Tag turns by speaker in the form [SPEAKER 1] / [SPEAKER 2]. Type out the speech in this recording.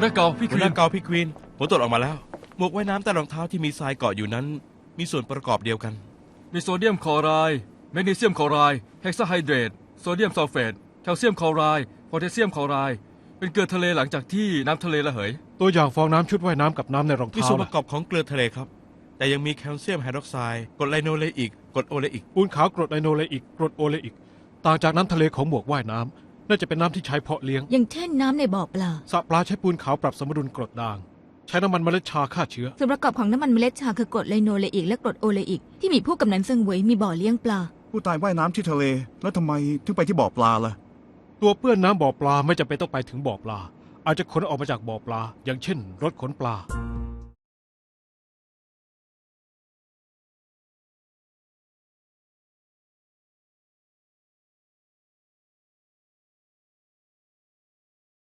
[SPEAKER 1] น้าเก่าพี่ค
[SPEAKER 2] หัว
[SPEAKER 1] วี
[SPEAKER 2] หน้าน เกาพี่ควีนผลตรวจออกมาแล้วหมวกว่ายน้ำแต่รองเท้าที่มีทรายเกาะอยู่นั้น มีส่วนประกอบเดียวกัน
[SPEAKER 1] มีโซเดียมคลอไรด์แมกนีเซียมคลอไรด์เฮกซาไฮเดรตโซเดียมซัลเฟตแคลเซียมคลอไรด์โพแทสเซียมคลอไรด์เป็นเกลือทะเลหลังจากที่น้ำทะเลระเหย
[SPEAKER 3] ตัวอย่างฟองน้ำชุดว่ายน้ำกับน้ำในรอง
[SPEAKER 2] มี
[SPEAKER 3] เท้า
[SPEAKER 2] ส่วนประ
[SPEAKER 3] ล่ะ
[SPEAKER 2] กอบของเกลือทะเลครับ แต่ยังมีแคลเซียมไฮดรอกไซด์กรดไลโนเลอิกกรดโอเลอิก
[SPEAKER 3] ปูนขาวกรดไอโนเลอิกกรดโอเลอิกต่างจากน้ำทะเลของหมวกว่ายน้ำน่าจะเป็นน้ำที่ใช้เพาะเลี้ยง
[SPEAKER 4] อย่างเช่นน้ำในบ่อปลา
[SPEAKER 3] สระปลาใช้ปูนขาวปรับสมดุลกรดด่าง ใช้น้ำมันเมล็ดชาฆ่าเชื้อ
[SPEAKER 4] ส่วนประกอบของน้ำมันเมล็ดชาคือกรดไลโนเลอิกและกรดโอเลอิกที่มีผู้กำนันเซิงเหวยมีบ่อเลี้ยงปลา
[SPEAKER 5] ผู้ตายว่ายน้ำที่ทะเล แล้วทำไมถึงไปที่บ่อปลาล่ะ
[SPEAKER 3] ตัวเปื้อนน้ำบ่อปลาไม่จำเป็นต้องไปถึงบ่อปลา อาจจะขนออกมาจากบ่อปลา อย่างเช่น รถขนปลา